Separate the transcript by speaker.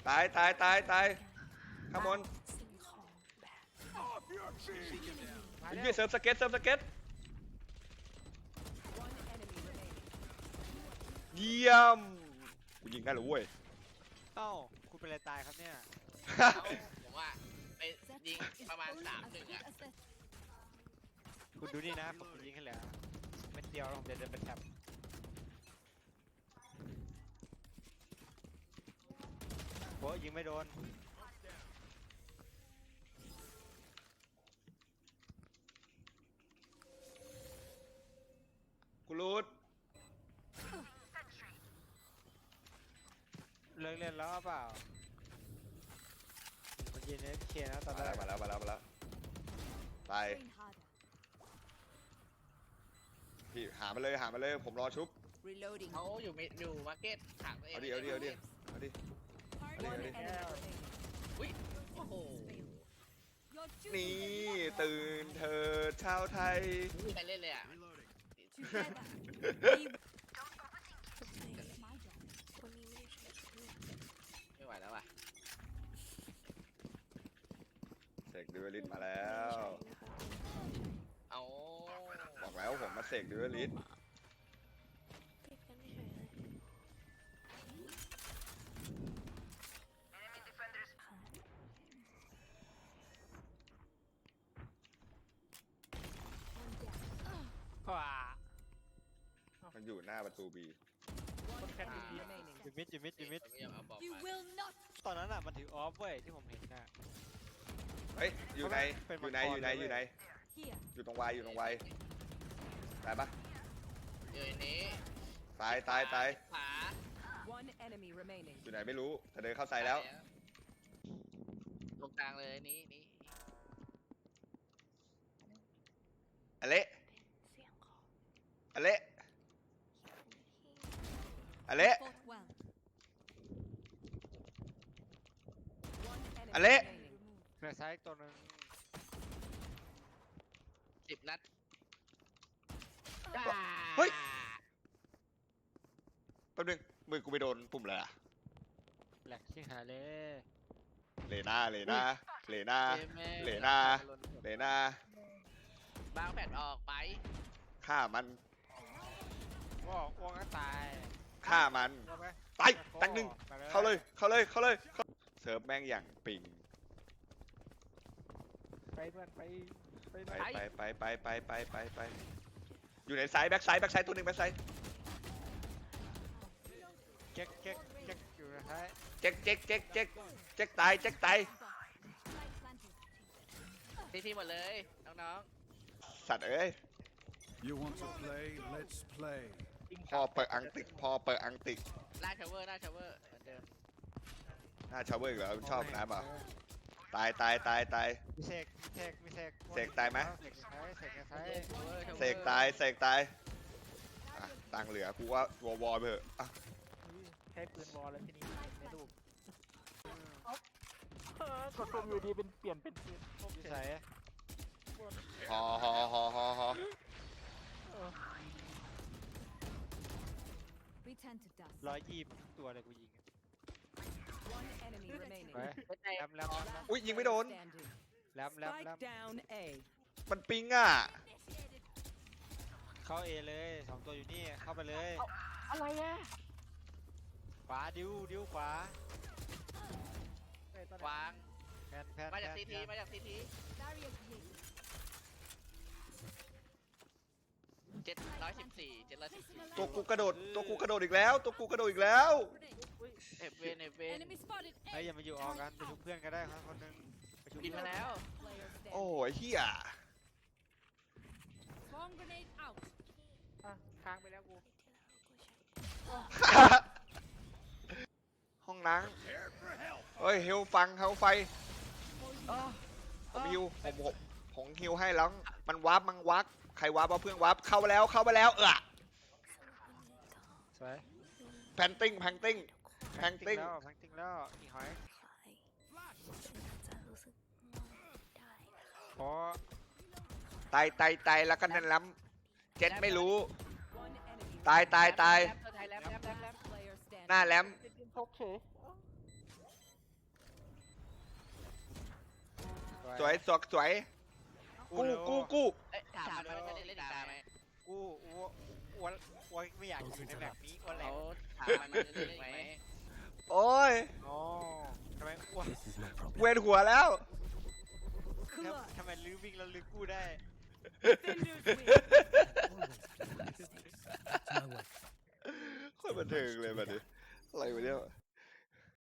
Speaker 1: ตายตายตายตายข้างบน
Speaker 2: สิ่งของแบบ
Speaker 3: มา
Speaker 1: ไอ้
Speaker 3: เร็
Speaker 1: เหี้ยว เซิร์ฟสเก็ตเซิร์ฟสเก็ต
Speaker 4: One enemy remaining.
Speaker 1: เยี่ยมกูยิงได้เหรอเว้ย
Speaker 3: เอ้าคุณเป็นอะไรตายครับเนี่ย
Speaker 5: ผมว่าไปยิงประมาณ3-1อ่ะ
Speaker 3: คุณดูนี่นะผมยิงให้แล้วเม็ดเดียวแล้วผมจะเดินไปแท็บโอ้ยิงไม่โดน
Speaker 1: กูรูด
Speaker 3: เลิกเล่นแล้วเปล่ามันยิงเอฟเคนะตอน
Speaker 1: มา
Speaker 3: แร
Speaker 1: แล้ว
Speaker 3: ก
Speaker 1: มาแล้วมาแล้วมาแล้วตาย
Speaker 2: train harder
Speaker 1: พี่หามาเลยหามาเลยผมรอชุบ
Speaker 4: Reloading.
Speaker 5: เขาอยู่มาร์เก็ตถังตัวเอง
Speaker 1: เอาดิเอาดิเอาดิเอาดิ
Speaker 4: One
Speaker 1: Ready.
Speaker 4: enemy remaining.
Speaker 5: อุ้ยโอ้โห
Speaker 2: your
Speaker 1: นี่
Speaker 2: duty
Speaker 1: ตื่นเธอชาวไทย
Speaker 5: ไม่มีใครเล่นเลยอ่ะ
Speaker 2: together we It's my job คนนี้ไม่ได้ใช้ชุด
Speaker 5: ไม่ไหวแล้วอ่ะ
Speaker 1: เสกดิวลิสมาแล้ว
Speaker 5: เอา
Speaker 1: บอกแล้วผมมาเสกดิวลิส
Speaker 2: ติดกันเฉยเลยค่ะ
Speaker 3: ว้า
Speaker 1: มันอยู่หน้าประตูบี
Speaker 4: One enemy remaining.
Speaker 3: อยู่มิดอยู่มิดอยู่มิด
Speaker 5: ผมไม่ยอมเอาบอก
Speaker 2: you
Speaker 5: ไป
Speaker 2: will not
Speaker 3: ตอนนั้นอ่ะมันถือออฟเว้ยที่ผมเห็นน่ะ
Speaker 1: เฮ้ยอยู่ใน
Speaker 3: เป็น
Speaker 1: อยู่ใน
Speaker 3: มังกร
Speaker 1: อยู่ใน
Speaker 3: เลย
Speaker 1: อยู่ใน
Speaker 2: here
Speaker 1: อยู่ตรงวายอยู่ตรงวายตายปะ
Speaker 5: อยู่ในนี้
Speaker 1: ตายตายตาย
Speaker 5: ขวา
Speaker 4: One enemy remaining.
Speaker 1: อยู่ไหนไม่รู้แต่เดินเข้าใส่แล้ว
Speaker 5: ตรงกลางเลยนี้
Speaker 1: อเละ
Speaker 2: เสียงของ
Speaker 1: อเละอเละ
Speaker 2: fought well
Speaker 4: One enemy
Speaker 1: Ale.
Speaker 4: remaining.
Speaker 3: เหลือซ้ายอีกตัวหนึง
Speaker 5: 10 นัด
Speaker 1: เฮ้ยแป๊บนึงมือกูไปโดนปุ่มอะไรอะ
Speaker 3: แหลกชิงหายเลย
Speaker 1: เลน่าเลน่าเลน่า เหลน่า เลน่า
Speaker 5: บางแผ่นออกไป
Speaker 1: ฆ่ามัน
Speaker 3: ว่าอ้วงก็ตาย
Speaker 1: ฆ่ามัน
Speaker 3: เอาไป
Speaker 1: ตายตักหนึ่ง
Speaker 3: ไป
Speaker 1: เข้าเลยเข้าเลยเข้าเลยเข้าเซิร์ฟแม่งอย่างปิง
Speaker 3: ไปเพื่อนไปไป
Speaker 1: ไป
Speaker 3: ไป
Speaker 1: ไปอยู่ในไซด์แบ็กไซด์ตัวหนึ่งแบ็กไซด์
Speaker 3: เก๊กเก๊กเก๊กอยู่นะฮะ
Speaker 1: เจ๊กตายเจ๊กตาย
Speaker 2: light planted
Speaker 5: ที่หมดเลยน้อง
Speaker 1: สัตว์เอ้ย
Speaker 6: You want to play? Let's play.
Speaker 1: พอเปิดอังติกพอเปิดอังติก
Speaker 5: ๆหน้าชาวเวอร์เหมือนเดิม
Speaker 1: หน้าชาวเวอร์อีกเหรอชอบนะเปล่าตายตายตายตาย
Speaker 3: มีเสกมีเสกมีเสก
Speaker 1: เสกตายไหม
Speaker 3: เสกซ้ายเสกซ้าย
Speaker 1: เสกตายเสกตายอ่ะตังค์เหลือกูว่าวอลไปเถอะอ่ะ
Speaker 3: ใช้ปืนวอลแล้วทีนี้ในรูปกดปุ่มอยู่ดีเป็นเปลี่ยนเป็นปืนอยู่ใส่
Speaker 1: ฮอ
Speaker 2: return to dust
Speaker 3: 120ตัวเลยกูยิง
Speaker 4: One enemy remaining.
Speaker 3: ไปแลมแลม
Speaker 1: อุ้ยยิงไม่โดน
Speaker 4: Standing.
Speaker 3: แลมแลมแลม
Speaker 4: Spike down A.
Speaker 1: มันปิงอ่ะ
Speaker 3: เข้าเอเลย2ตัวอยู่นี่เข้าไปเลย
Speaker 5: อะไรอ่ะ
Speaker 3: ขวาดิ้วขวาว
Speaker 5: าง
Speaker 3: แพนแพน
Speaker 5: มาจากซีทีมาจากซีที
Speaker 2: barrier created
Speaker 5: 714
Speaker 1: ตัวกูกระโดดอีกแล้วตัวกูกระโดดอีกแล้ว
Speaker 5: เอฟเวน
Speaker 2: enemy spotted
Speaker 3: เฮ้ยอย่ามาอยู่ออกกันไปชุบเพื่อนก็ได้ครับคนหนึงไปชุบ
Speaker 5: บินมาแล้ว
Speaker 2: player standing
Speaker 1: โอ้ยเฮีย
Speaker 2: bomb grenade out
Speaker 3: ค้างไปแล้วกู
Speaker 1: ห้องน้ำเฮ้ยเฮลฟังเฮลไฟผมฮิวผมฮิวให้แล้วมันวาร์ปมันวักใครวาร์ปเอาเพื่อนวาร์ปเข้าไปแล้ว
Speaker 3: สวย
Speaker 1: แพนติ้งแพนติ้ง
Speaker 3: แพงติ้งแล้วอีหอย
Speaker 2: จะรู้สึกง่วงได้นะคะ
Speaker 3: เพราะ
Speaker 1: ตายแล้วก็นั่นล้ำเจ็ดไม่รู้
Speaker 4: One enemy.
Speaker 1: ตาย
Speaker 5: แลม
Speaker 4: Player
Speaker 1: หน้า
Speaker 4: standing.
Speaker 1: แลม
Speaker 3: พกเฉย
Speaker 1: สวยสวยสวยกู้
Speaker 5: เอ้ยถามมันว่าจะเล่นอีกตาไหม
Speaker 3: กูอ้วนไม่อยากอยู่ในแบบนี้อ้วนแหล
Speaker 5: เขา
Speaker 3: ก
Speaker 5: ถามมันจะเล่นอีกไหม
Speaker 1: โอ้ย
Speaker 3: อ๋อทำไมอ้วน
Speaker 1: เวียนหัวแล้ว
Speaker 3: ทำไมลื้อวิ่งแล้วลื้อกู้ได้
Speaker 4: Defenders win.